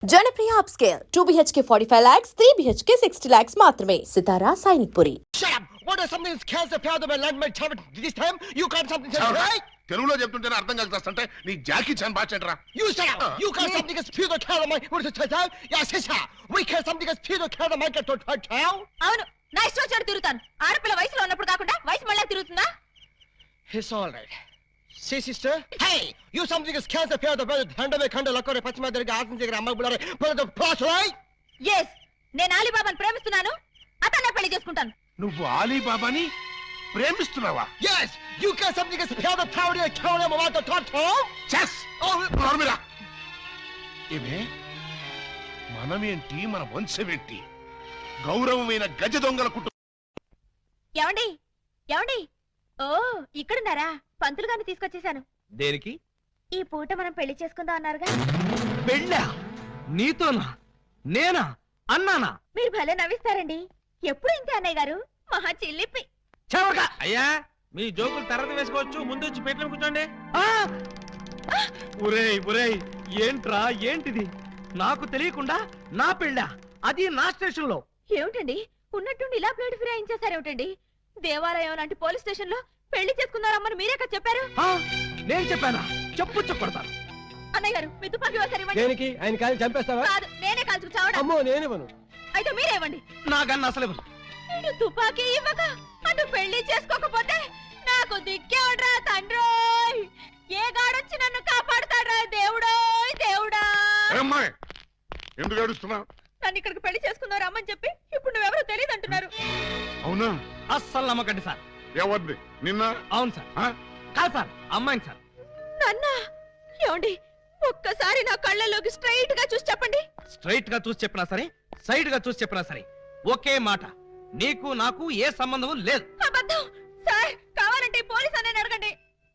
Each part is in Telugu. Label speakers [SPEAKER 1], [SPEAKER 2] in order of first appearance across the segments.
[SPEAKER 1] Janapriya upscale 2 BHK 45 lakhs, 3 BHK 60 lakhs మాత్రమే. సితారా Sainikpuri.
[SPEAKER 2] Shut up! What is something that kills the power of a landmine tower this time? You can't something else, right?
[SPEAKER 3] తెలుగులో చెప్తుంటే అర్థం కలుగుతాంటే నీ జాకీ చాన్ బాచెంట్రా.
[SPEAKER 2] You shut up! You can't something that fear the power of my what is it called? Yeah, sister. We can't something that fear the power of my get to town.
[SPEAKER 4] అవును నా ఇష్టం వచ్చాడు తిరుగుతాను. ఆడపిల్ల వయసులో ఉన్నప్పుడు కాకుండా వయసు మళ్ళీ తిరుగుతుందా?
[SPEAKER 2] It's all right. See, sister? Hey! You something that kills the power of the brother handle కండ లక్కరే పచ్చిమ దగ్గర ఆసం దగ్గర అమ్మ బులారే పద ప్లాస్ రైట్?
[SPEAKER 4] yes నేను అలీబాబాను ప్రేమిస్తున్నాను. అతన్నే పెళ్లి చేసుకుంటాను.
[SPEAKER 3] నువ్వు అలీబాబాని ప్రేమిస్తున్నావా?
[SPEAKER 2] Yes! You can't something that fear the power of the town of the town.
[SPEAKER 3] చెస్
[SPEAKER 2] Oh,
[SPEAKER 3] నోర్మిరా. ఇవే మనమేంటి మన వంశమేంటి గౌరవమైన గజ దొంగల కుటుంబం.
[SPEAKER 4] ఏమండి ఏమండి ఓ ఇక్కడున్నారా? పంతులు గారిని తీసుకొచ్చేసాను.
[SPEAKER 5] దేనికి?
[SPEAKER 4] ఈ పూట మనం పెళ్లి చేసుకుందాం అన్నారుగా.
[SPEAKER 5] పెళ్ళా? నీతోనా? నేనా? అన్నానా?
[SPEAKER 4] మీరు భలే నవ్విస్తారండి. ఎప్పుడు ఇంతే అన్నయ్య గారు. మహా చిల్లిపి.
[SPEAKER 5] చవక అయ్యా, మీ జోకులు తర్వాత వేసుకోవచ్చు. ముందు వచ్చి పెట్లో కూర్చోండి. ఒరేయ్ ఒరేయ్, ఏంట్రా ఏంటిది? నాకు తెలియకుండా నా పెళ్ళా? అది నా స్టేషన్ లో.
[SPEAKER 4] ఏమిటండి ఉన్నట్టుండి ఇలా ప్లేట్ ఫిరాయించేసారేమిటండి? దేవాలయం లాంటి పోలీస్ స్టేషన్ లో పెళ్లి చేసుకున్నారమ్మని మీరే కదా చెప్పారు.
[SPEAKER 5] నేను చెప్పానా? చెప్పు కొడతాను.
[SPEAKER 4] అన్నయ్య గారు మీ తుపాకీ ఒకసారి ఇవ్వండి.
[SPEAKER 2] దేనికి? ఆయన కాలి చంపేస్తావా?
[SPEAKER 4] కాదు నేనే కాల్చుకు చావడం.
[SPEAKER 2] అమ్మో నేనేవను.
[SPEAKER 4] అయితే మీరే ఇవ్వండి.
[SPEAKER 5] నాకన్నా అసలు ఇవ్వను.
[SPEAKER 4] నేను తుపాకీ ఇవ్వక అటు పెళ్లి చేసుకోకపోతే నాకు దిక్కే ఉండరా తండ్రోయ్. ఏ గాడొచ్చి నన్ను కాపాడుతాడ్రా దేవుడోయ్ దేవుడా.
[SPEAKER 3] అమ్మాయి ఎందుకు ఏడుస్తున్నావు?
[SPEAKER 4] నన్ను ఇక్కడికి పెళ్లి చేసుకున్నారు అమ్మని చెప్పి ఇప్పుడు నువ్వెవరో తెలియదు అంటున్నారు.
[SPEAKER 3] అవునా?
[SPEAKER 5] అస్సలు నమ్మకండి సార్.
[SPEAKER 3] ఎవరిది? నిన్న?
[SPEAKER 5] అవును సార్. కాదు సార్, అమ్మాయిని సార్.
[SPEAKER 4] నాన్న ఏమండి ఒక్కసారి నా కళ్ళలోకి స్ట్రైట్ గా చూసి చెప్పండి.
[SPEAKER 5] స్ట్రైట్ గా చూసి చెప్పినా సరే, సైడ్ గా చూసి చెప్పినా సరే ఒకే మాట, నీకు నాకు ఏ సంబంధం లేదు.
[SPEAKER 4] అబద్ధం సార్. కావాలంటే పోలీస్ అనే అడగండి.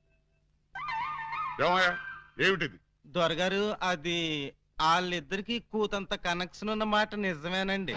[SPEAKER 3] ఏమయ్యా ఏమిటిది?
[SPEAKER 6] దొరగారు, అది వాళ్ళిద్దరికి కూతంత కనెక్షన్ ఉన్న మాట నిజమేనండి.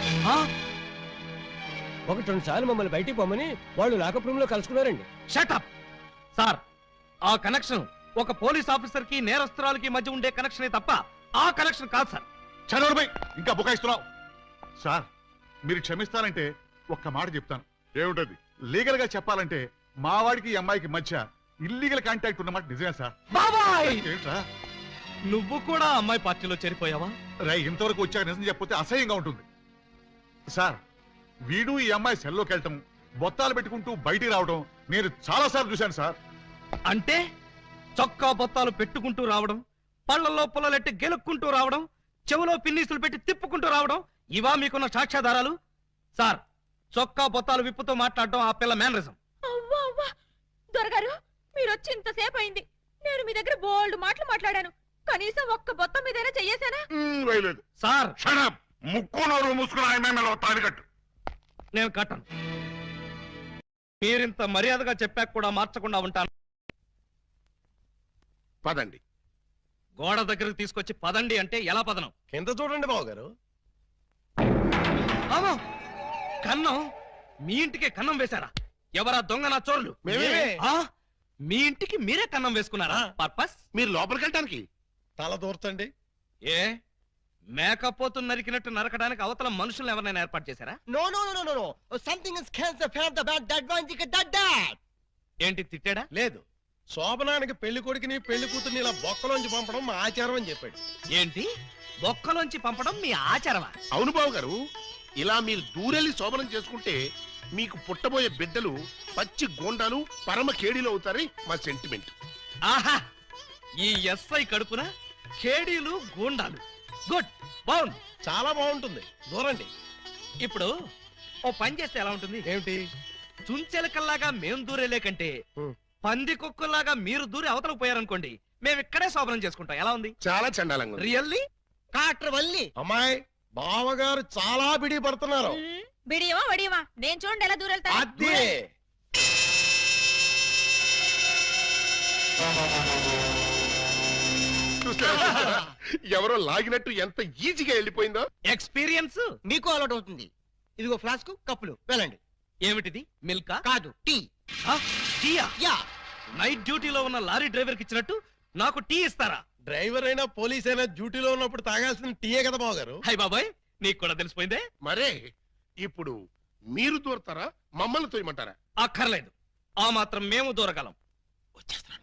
[SPEAKER 2] ఒకటి రెండు సార్లు మమ్మల్ని బయటికి పోమని వాళ్ళు లాకప్ రూమ్ లో కలుసుకున్నారండి.
[SPEAKER 5] Shut up sir. ఆ కనెక్షన్ ఒక పోలీస్ ఆఫీసర్ కి నేరస్తురాలకి మధ్య ఉండే కనెక్షనే తప్ప ఆ కనెక్షన్ కాదు సార్.
[SPEAKER 3] చదవడమై ఇంకా బుకాయిస్తున్నావు. సార్ మీరు క్షమిస్తారంటే ఒక్క మాట చెప్తాను. ఏమిటది? లీగల్ గా చెప్పాలంటే మా వాడికి ఈ అమ్మాయికి మధ్య ఇల్లీగల్ కాంటాక్ట్ ఉన్నమాట నిజమే సార్.
[SPEAKER 5] బాబాయ్,
[SPEAKER 3] ఏంట్రా
[SPEAKER 5] నువ్వు కూడా అమ్మాయి పార్టీలో చేరిపోయావా?
[SPEAKER 3] రై ఇంతవరకు వచ్చాక నిజం చెప్పితే అసహ్యంగా ఉంటుంది సార్. వీడు ఈ అమ్మాయి సెల్లోకి వెళ్ళటం, బొత్తాలు పెట్టుకుంటూ బయటికి రావడం నేను చాలా సార్లు చూశాను సార్.
[SPEAKER 5] అంటే చొక్కా బొత్తాలు పెట్టుకుంటూ రావడం, పళ్ళల్లో పుల్లలెట్టి గెలుక్కుంటూ రావడం, చెవులో పిన్నీసులు పెట్టి తిప్పుకుంటూ రావడం, ఇవా మీకున్న సాక్ష్యాధారాలు? సార్, చొక్కా బొత్తాలు విప్పుతో మాట్లాడడం ఆ పిల్ల మేనరిజం.
[SPEAKER 4] అవ్వా అవ్వా దొరగారు మీరు వచ్చి ఇంతసేపు అయింది. నేను మీ దగ్గర బోల్డ్ మాటలు మాట్లాడాను. కనీసం ఒక్క బొత్తం మీదైనా చెయ్యేశానా?
[SPEAKER 3] వేయలేదు
[SPEAKER 5] సార్.
[SPEAKER 3] షడప్. ముక్కు నోరు మూసుకుని ఆయన తాడి కట్టు.
[SPEAKER 5] నేను కట్టను. మీరింత మర్యాదగా చెప్పాక కూడా మార్చకుండా ఉంటాను.
[SPEAKER 3] పదండి.
[SPEAKER 5] గోడ దగ్గరకు తీసుకొచ్చి పదండి అంటే ఎలా పదనం?
[SPEAKER 2] కింద చూడండి బాబు గారు.
[SPEAKER 5] కన్నం? మీ ఇంటికే కన్నం వేశారా? ఎవరా దొంగ నా చోరులు? మీ ఇంటికి మీరే కన్నం వేసుకున్నారా? పర్పస్?
[SPEAKER 3] మీరు లోపలికి వెళ్ళటానికి.
[SPEAKER 2] తల దూర్చండి.
[SPEAKER 5] ఏ మేకపోతు నరికినట్టు నరకడానికి అవతల మనుషులను ఎవరైనా ఏర్పాటు చేశారా?
[SPEAKER 2] No, no, no, no, no, no. Something is cancer from the bad that one you that.
[SPEAKER 5] ఏంటి తిట్టాడా?
[SPEAKER 7] లేదు, శోభనానికి పెళ్లి కొడుకుని పెళ్లి కూతుర్ని ఇలా బొక్కలోంచి పంపడం మా ఆచారం అని చెప్పాడు.
[SPEAKER 5] ఏంటి బొక్కలోంచి పంపడం మీ ఆచారమా?
[SPEAKER 3] అవును బాబు గారు, ఇలా మీరు దూరెళ్ళి శోభనం చేసుకుంటే మీకు పుట్టబోయే బిడ్డలు పచ్చి గోండాలు పరమ కేడీలు అవుతారని మా సెంటిమెంట్.
[SPEAKER 5] ఆహా, ఈ ఎస్ఐ కడుపున కేడీలు గూండాలు. గుడ్, బాగుంది,
[SPEAKER 7] చాలా బాగుంటుంది. దూరండి.
[SPEAKER 5] ఇప్పుడు ఓ పని చేస్తే ఎలా ఉంటుంది?
[SPEAKER 7] ఏమిటి?
[SPEAKER 5] చుంచెలకల్లాగా మేం దూరేలే కంటే పంది కుక్కల్లాగా మీరు దూరి అవతలకు పోయారనుకోండి, మేము ఇక్కడే శోభనం చేసుకుంటాం. ఎలా ఉంది?
[SPEAKER 3] చాలా చండాలంగా ఉంది.
[SPEAKER 5] రియల్లీ?
[SPEAKER 2] కాట్ర వల్లి.
[SPEAKER 7] అమ్మాయి బావగారు చాలా బిడి పడుతున్నారు.
[SPEAKER 4] బిడియమా వడియమా నేను చూడండి ఎలా దూరెళ్తా.
[SPEAKER 7] అదే
[SPEAKER 3] ఎవరో లాగినట్టు ఎంత ఈజీగా వెళ్ళిపోయిందో.
[SPEAKER 5] ఎక్స్పీరియన్స్
[SPEAKER 2] మీకు అలవాటు అవుతుంది. ఇదిగో ఫ్లాస్క్ కప్పులు వెళ్ళండి.
[SPEAKER 5] ఏమిటిది? మిల్కా?
[SPEAKER 2] కాదు, టీ.
[SPEAKER 5] టీయా?
[SPEAKER 2] యా.
[SPEAKER 5] నైట్ డ్యూటీలో ఉన్న లారీ డ్రైవర్ కి ఇచ్చినట్టు నాకు టీ ఇస్తారా?
[SPEAKER 7] డ్రైవర్ అయినా పోలీస్ అయినా డ్యూటీలో ఉన్నప్పుడు తాగాల్సిన టీయే కదా బావగారు.
[SPEAKER 5] హై బాబాయ్, నీకు కూడా తెలిసిపోయిందే.
[SPEAKER 8] మరే ఇప్పుడు మీరు దూరతారా మమ్మల్ని తోయమంటారా?
[SPEAKER 5] అక్కర్లేదు, ఆ మాత్రం మేము దూరగలం. వచ్చేస్తున్నాను.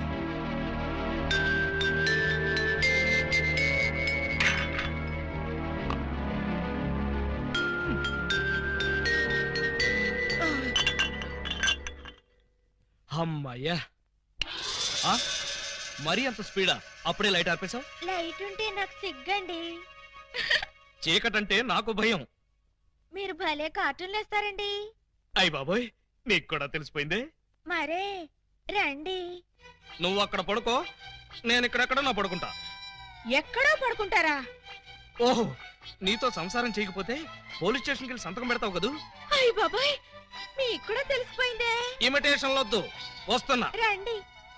[SPEAKER 5] అమ్మయ్యా, మరీ అంత స్పీడా? అప్పుడే లైట్ ఆర్పేశావు?
[SPEAKER 4] లైట్ ఉంటే నాకు సిగ్గండి.
[SPEAKER 5] చీకటంటే నాకు భయం.
[SPEAKER 4] మీరు భలే కార్టూన్లు వేస్తారండి.
[SPEAKER 5] అయ్ బాబోయ్, నీకు కూడా తెలిసిపోయిందే.
[SPEAKER 4] మరే రండి.
[SPEAKER 5] నువ్వు అక్కడ పడుకో, నేను ఇక్కడెక్కడ నా పడుకుంటా.
[SPEAKER 4] ఎక్కడో పడుకుంటారా?
[SPEAKER 5] ఓహో, నీతో సంసారం చేయకపోతే పోలీస్ స్టేషన్కి వెళ్ళి సంతకం పెడతావు కదూ.
[SPEAKER 4] అయ్య బాబాయ్, మీకు కూడా తెలిసిపోయిందే.
[SPEAKER 5] ఇమిటేషన్ వద్దు, వస్తున్నా.
[SPEAKER 4] రండి.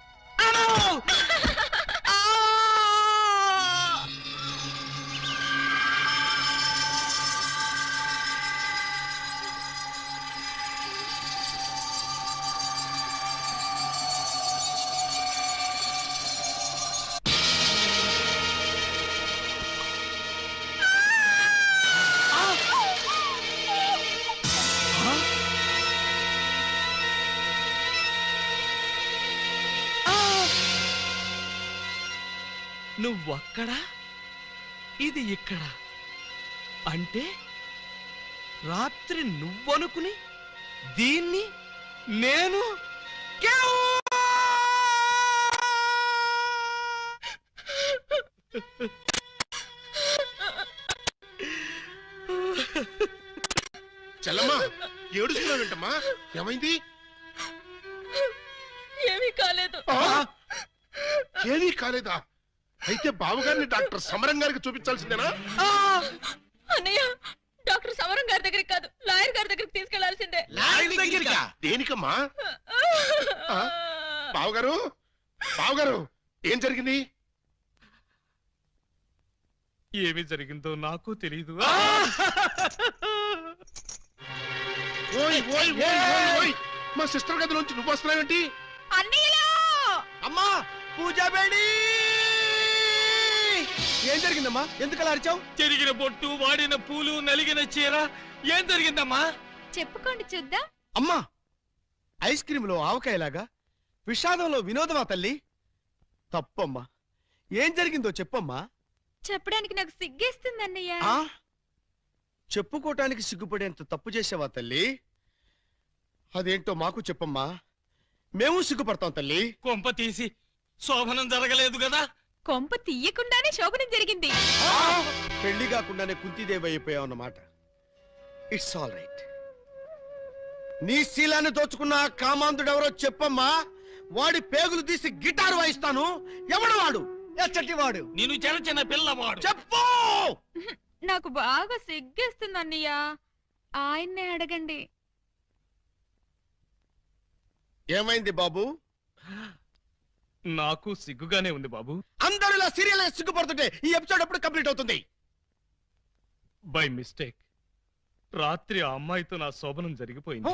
[SPEAKER 5] నువ్వక్కడ, ఇది ఇక్కడ. అంటే రాత్రి నువ్వనుకుని దీన్ని నేను
[SPEAKER 8] చెల్లమ్మా, ఏడుస్తున్నావు ఏంటమ్మా? ఏమైంది?
[SPEAKER 4] ఏమీ కాలేదు.
[SPEAKER 8] ఏమీ కాలేదా? అయితే బావగారిని డాక్టర్ సమరం గారికి చూపించాల్సిందేనా?
[SPEAKER 4] అన్నయ్య, డాక్టర్ సమరం గారి దగ్గరికి కాదు, లాయర్ గారి దగ్గరికి తీసుకెళ్లాల్సిందే.
[SPEAKER 8] దేనికమ్మా? బావగారు, బావగారు, ఏం జరిగింది?
[SPEAKER 5] ఏమి జరిగిందో నాకు తెలీదు.
[SPEAKER 8] ఓయ్ ఓయ్ ఓయ్ ఓయ్ ఓయ్, మా సిస్టర్ గదిలోంచి నువ్వు వస్తున్నావేంటి?
[SPEAKER 4] అన్నయ్యలో
[SPEAKER 6] అమ్మా, పూజ బేడి! ఏం జరిగిందమ్మా? ఎందుకలా అరిచావు?
[SPEAKER 5] చెరిగిన బొట్టు, వాడిన పూలు, నలిగిన చీర. ఏం జరిగిందమ్మా?
[SPEAKER 4] చెప్పుకోండి చూద్దాం.
[SPEAKER 6] అమ్మా, ఐస్ క్రీమ్ లో ఆవకాయలాగా విషాదంలో వినోదమా తల్లి? తప్పమ్మా, ఏం జరిగిందో చెప్పమ్మా.
[SPEAKER 4] చెప్పడానికి నాకు సిగ్గేస్తుంది అన్నయ్య.
[SPEAKER 6] ఆ చెప్పుకోటానికి సిగ్గుపడేంత తప్పు చేసావా తల్లి? అదేంటో మాకు చెప్పమ్మా, మేము సిగ్గుపడతాం తల్లి.
[SPEAKER 5] కొంప తీసి శోభనం జరగలేదు కదా?
[SPEAKER 4] కొంప తీయకుండానే శోభనం జరిగింది.
[SPEAKER 6] పెళ్లి కాకుండానే కుంతిదేవి అయిపోయావు అన్నమాట. It's all right. నీ శీలాన్ని దోచుకున్న ఆ కామాంధుడెవరో చెప్పమ్మా. వాడి పేగులు తీసి గిటారు వాయిస్తాను. ఎవడు వాడు? ఎచ్చటి వాడు?
[SPEAKER 5] నేను చిన్న చిన్న పిల్లవాడు.
[SPEAKER 6] చెప్పు.
[SPEAKER 4] నాకు బాగా సిగ్గేస్తుంది అన్నయ్య, ఆయన్నే అడగండి.
[SPEAKER 6] ఏమైంది బాబు?
[SPEAKER 5] నాకు సిగ్గుగానే ఉంది బాబు.
[SPEAKER 6] అందరూ ఇలా సీరియల్ సిగ్గుపడుతుంటే ఈ ఎపిసోడ్ ఎప్పుడు కంప్లీట్ అవుతుంది?
[SPEAKER 5] బై మిస్టేక్ రాత్రి ఆ అమ్మాయితో నా శోభనం జరిగిపోయింది.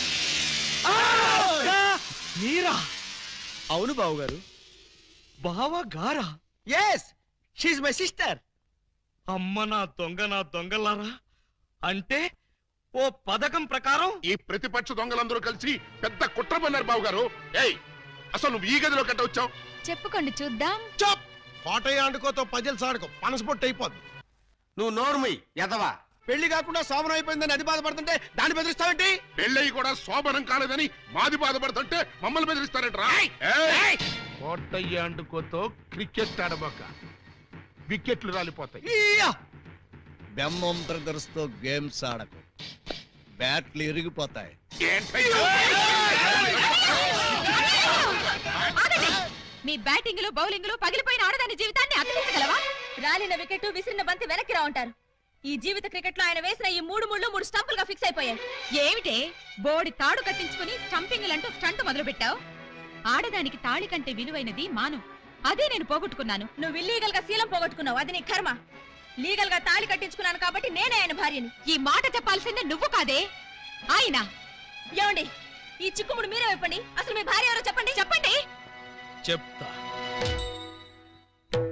[SPEAKER 5] మీరా?
[SPEAKER 6] అవును బావు గారు.
[SPEAKER 5] బావా గారా?
[SPEAKER 6] Yes, she my sister.
[SPEAKER 5] అమ్మ నా దొంగలారా. అంటే ఓ పథకం ప్రకారం
[SPEAKER 8] ఈ ప్రతిపక్ష దొంగలందరూ కలిసి పెద్ద కుట్ర పన్నారు బావగారు. ఏయ్, అసలు నువ్వు ఈ గదిలో కట్ట వచ్చావు?
[SPEAKER 4] చెప్పుకోండి చూద్దాం.
[SPEAKER 7] చాప్! కోటయ్య ఆడుకోతో పజిల్స్ ఆడుకో, పనసపొట్టు అయిపోద్ది.
[SPEAKER 6] నువ్వు నోర్మి ఎదవా. పెళ్లి కాకుండా శోభనం అయిపోయిందని అది బాధపడుతుంటే దాన్ని బెదిరిస్తావేంటి?
[SPEAKER 8] పెళ్ళయి కూడా శోభనం కాలేదని మాది బాధపడుతుంటే మమ్మల్ని బెదిరిస్తారంటరా? కోటయ్య ఆడుకోతో క్రికెట్ ఆడబోక, వికెట్లు రాలిపోతాయి.
[SPEAKER 9] బెమ్మం బ్రదర్స్ తో గేమ్స్ ఆడకు, బ్యాట్లు ఇరిగిపోతాయి.
[SPEAKER 4] మీ బ్యాటింగ్ లో బౌలింగ్ లో పగిలిపోయిన ఆడదాని జీవితాన్ని అతికించగలవా? రాలిన వికెట్, విసిరిన బంతి వెనక్కి రా ఉంటారు. ఈ జీవిత క్రికెట్ లో ఆయన వేసిన ఈ 3 ముళ్ళు 3 స్టంపులుగా ఫిక్స్ అయిపోయాయి. ఏమిటే బోడి తాడు కట్టించుకుని స్టంపింగ్ అంటూ స్టంట్ మొదలు పెట్టావు? ఆడదానికి తాళి కంటే విలువైనది మాను. అదే నేను పోగొట్టుకున్నాను. నువ్వు ఇల్లీగల్ గా శీలం పోగొట్టుకున్నావు, అది నీ కర్మ. లీగల్ గా తాళి కట్టించుకున్నాను కాబట్టి నేనే ఆయన భార్యని. ఈ మాట చెప్పాల్సిందే నువ్వు కాదే ఆయన. ఏమండి, ఈ చిక్కుముడు మీరే చెప్పండి. అసలు మీ భార్య ఎవరో చెప్పండి. చెప్పండి.
[SPEAKER 5] చెప్తా.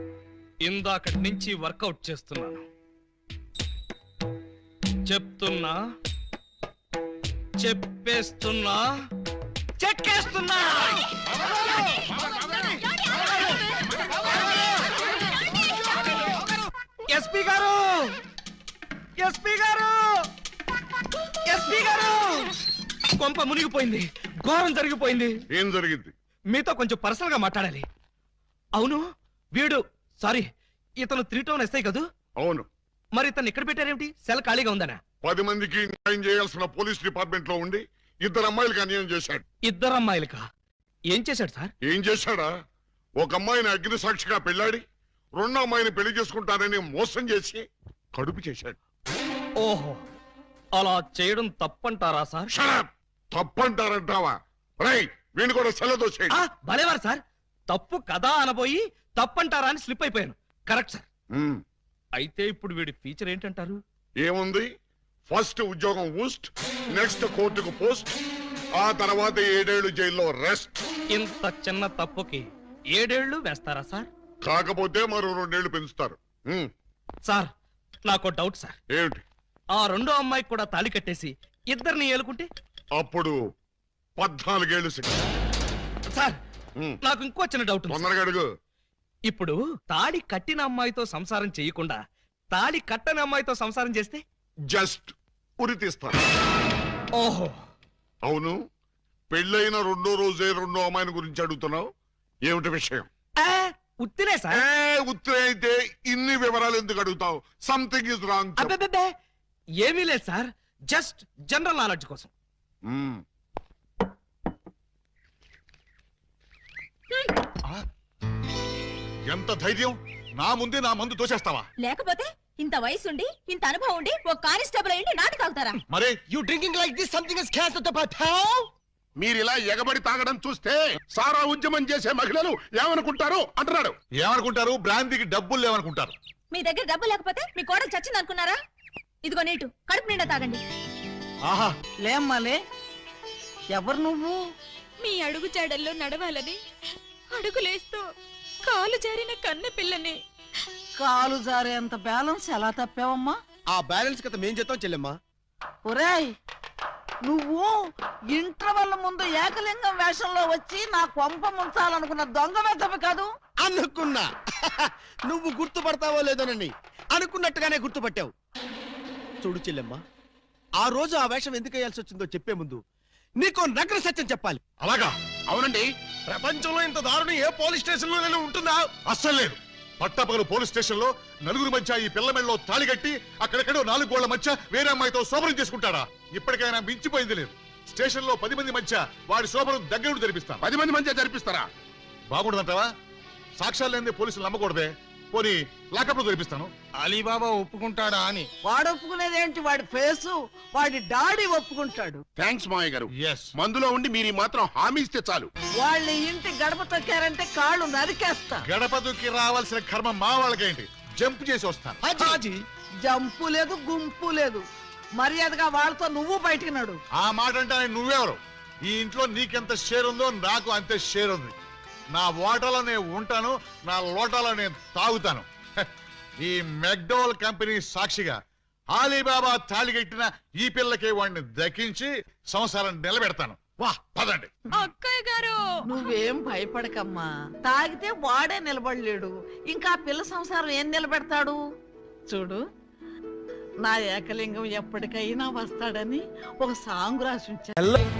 [SPEAKER 5] ఇందాకటి నుంచి వర్కౌట్ చేస్తున్నాను. చెప్తున్నా, చెప్పేస్తున్నా, చెక్కేస్తున్నా. ఎస్పీ గారు, ఎస్పీ గారు, ఎస్పీ గారు, కొంప మునిగిపోయింది, ఘోరం జరిగిపోయింది.
[SPEAKER 8] ఏం జరిగింది?
[SPEAKER 5] మీతో కొంచెం పర్సనల్ గా మాట్లాడాలి. అవును, వీడు సారీ ఇతను 3 టౌన్ ఎస్ఐ కదూ?
[SPEAKER 8] అవును.
[SPEAKER 5] మరి ఇతను ఇక్కడ పెట్టారేమిటి? సెల్ ఖాళీగా ఉందనా?
[SPEAKER 8] 10 మందికి న్యాయం చేయాల్సిన పోలీస్ డిపార్ట్మెంట్ లో ఉండి 2 అమ్మాయిలకు అన్యాయం చేశాడు.
[SPEAKER 5] 2 అమ్మాయిలకా? ఏం చేశాడు సార్?
[SPEAKER 8] ఏం చేశాడా? ఒక అమ్మాయిని అగ్ని సాక్షిగా పెళ్ళాడి 2వ అమ్మాయిని పెళ్లి చేసుకుంటానని మోసం చేసి కడుపు చేశాడు.
[SPEAKER 5] ఓహో, అలా చేయడం తప్పంటారా సార్?
[SPEAKER 8] షడప్! తప్పంటారంటావా? రై, వీణు కూడా సెలదోసేయండి.
[SPEAKER 5] భలేవారు సార్, తప్పు కదా అనబోయి తప్పంటారా అని స్లిప్ అయిపోయాను. Correct sir. అయితే ఇప్పుడు వీడి ఫీచర్ ఏంటంటారు?
[SPEAKER 8] ఏముంది? ఫస్ట్ ఉద్యోగం ఊస్ట్, నెక్స్ట్ కోర్టుకు పోస్ట్, ఆ తర్వాత 7 ఏళ్లు జైల్లో రెస్ట్.
[SPEAKER 5] ఇంత చిన్న తప్పుకి 7 ఏళ్లు వేస్తారా సార్?
[SPEAKER 8] కాకపోతే మరో 2 ఏళ్లు పెంచుతారు.
[SPEAKER 5] సార్, నాకు డౌట్ సార్.
[SPEAKER 8] ఏమిటి?
[SPEAKER 5] ఆ 2వ అమ్మాయికి కూడా తాళి కట్టేసి 2ని ఏలుకుంటే?
[SPEAKER 8] అప్పుడు 14 ఏళ్లు శిక్ష.
[SPEAKER 5] సార్, నాకు ఇంకో చిన్న డౌట్ ఉంది.
[SPEAKER 8] తొందరగా అడుగు.
[SPEAKER 5] ఇప్పుడు తాళి కట్టిన అమ్మాయితో సంసారం చేయకుండా తాళి కట్టని అమ్మాయితో సంసారం చేస్తే?
[SPEAKER 8] జస్ట్ ఉరి తీస్తారు.
[SPEAKER 5] ఓహో,
[SPEAKER 8] అవును. పెళ్ళైన 2వ రోజే 2వ అమ్మాయిని గురించి అడుగుతున్నావు. ఏమిటి విషయం?
[SPEAKER 5] ఉత్తినే సార్.
[SPEAKER 8] ఉత్తరే అయితే ఇన్ని వివరాలు ఎందుకు అడుగుతావు? Something is wrong.
[SPEAKER 5] అబ్బే, ఏమీ లేదు సార్, జస్ట్ జనరల్ నాలెడ్జ్ కోసం.
[SPEAKER 3] ఎంత ధైర్యం! నా ముందే నా మందు తోసేస్తావా?
[SPEAKER 4] లేకపోతే ఇంత వయసుండి ఇంత అనుభవం ఉండి ఒక కానిస్టేబుల్ అయ్యి నాటు తాగుతారా?
[SPEAKER 3] మరే
[SPEAKER 2] You drinking like this? Something is cancer to patel.
[SPEAKER 8] మీరు ఇలా ఎగబడి తాగడం చూస్తే సారా ఉద్యమం చేసే మహిళలు ఏమనుకుంటారు అంటున్నాడు.
[SPEAKER 3] ఏమనుకుంటారు? బ్రాంతికి డబ్బులు లేవనుకుంటారు.
[SPEAKER 4] మీ దగ్గర డబ్బు లేకపోతే మీ కోడలు చచ్చింది అనుకున్నారా? ఇదిగో నీటు, కడుపు నిండా తాగండి.
[SPEAKER 3] ఆహా,
[SPEAKER 10] లేమ్మాలే, ఎవరు నువ్వు?
[SPEAKER 4] మీ అడుగు జాడల్లో నడవాలని అడుగులేస్తూ కాలు జారిన కన్న పిల్లని.
[SPEAKER 10] కాలు జారేంత బ్యాలెన్స్ ఎలా తప్పావమ్మా?
[SPEAKER 6] ఆ బ్యాలెన్స్ కథ మేం చేద్దాం చెల్లెమ్మా.
[SPEAKER 10] ఒరేయ్, నువ్వు ఇంటర్వెల్ ముందు ఏకలింగం వేషంలో వచ్చి నా కొంప ముంచాలనుకున్న దొంగ వెధవి కాదు?
[SPEAKER 6] అనుకున్నా. నువ్వు గుర్తుపడతావో లేదోనని అనుకున్నట్టుగానే గుర్తుపట్టావు. చూడు చెల్లెమ్మా, ఆ రోజు ఆ వేషం ఎందుకు వేయాల్సి వచ్చిందో చెప్పే ముందు నీకో నగ్న సత్యం చెప్పాలి.
[SPEAKER 3] అలాగా?
[SPEAKER 8] అవునండి.
[SPEAKER 7] ప్రపంచంలో ఇంత దారుణం ఏ పోలీస్ స్టేషన్ లో ఉంటుందా?
[SPEAKER 3] అస్సలు లేదు. పట్టపగలు పోలీస్ స్టేషన్ లో నలుగురు మధ్య ఈ పిల్ల మెడలో తాళి కట్టి అక్కడెక్కడో 4 గోళ్ల మధ్య వేరే అమ్మాయితో శోభనం చేసుకుంటాడా? ఇప్పటికైనా మించిపోయింది లేదు. స్టేషన్ లో 10 మంది మధ్య వాడి శోభనం దగ్గరుండి జరిపిస్తాను.
[SPEAKER 8] 10 మంది మధ్య జరిపిస్తారా?
[SPEAKER 3] బాగుండదంటావా? సాక్ష్యాలు లేని పోలీసులు నమ్మకూడదే. పోనీ లాకప్ లో జరిపిస్తాను.
[SPEAKER 7] అలీబాబా ఒప్పుకుంటాడా అని.
[SPEAKER 10] వాడు ఒప్పుకునేదేంటి? వాడి ఫేసు, వాడి డాడీ ఒప్పుకుంటాడు.
[SPEAKER 8] థ్యాంక్స్ మావయ్య గారు.
[SPEAKER 3] Yes.
[SPEAKER 8] మందులో ఉండి మీరు మాత్రం హామీ ఇస్తే చాలు.
[SPEAKER 10] వాళ్ళ ఇంటి గడప తొక్కారంటే కాళ్ళు నరికేస్తా.
[SPEAKER 3] గడప దుక్కి రావాల్సిన కర్మ మా వాళ్ళకేంటి? జంప్ చేసి వస్తాను.
[SPEAKER 7] హాజీ,
[SPEAKER 10] జంపు లేదు, గుంపు లేదు. మర్యాదగా వాళ్ళతో నువ్వు బయటికి నడు.
[SPEAKER 3] ఆ మాట అంటే నువ్వెవరు? ఈ ఇంట్లో నీకెంత షేర్ ఉందో నాకు అంతే షేర్ ఉంది. నా ఓటలో నేను ఉంటాను, నా లోటాలో నేను తాగుతాను. ఈ మెక్డోవల్ కంపెనీ సాక్షిగా అలీబాబా తాళిగట్టిన ఈ పిల్లకి వాడిని దక్కించి సంసారం నిలబెడతాను. వా, పదండి.
[SPEAKER 4] అక్కయ్య గారు,
[SPEAKER 10] నువ్వేం భయపడకమ్మా. తాగితే వాడే నిలబడలేడు, ఇంకా పిల్ల సంసారం ఏం నిలబెడతాడు? చూడు, నా ఏకలింగం ఎప్పటికైనా వస్తాడని ఒక సాంగ్ రాసి ఉంచాను.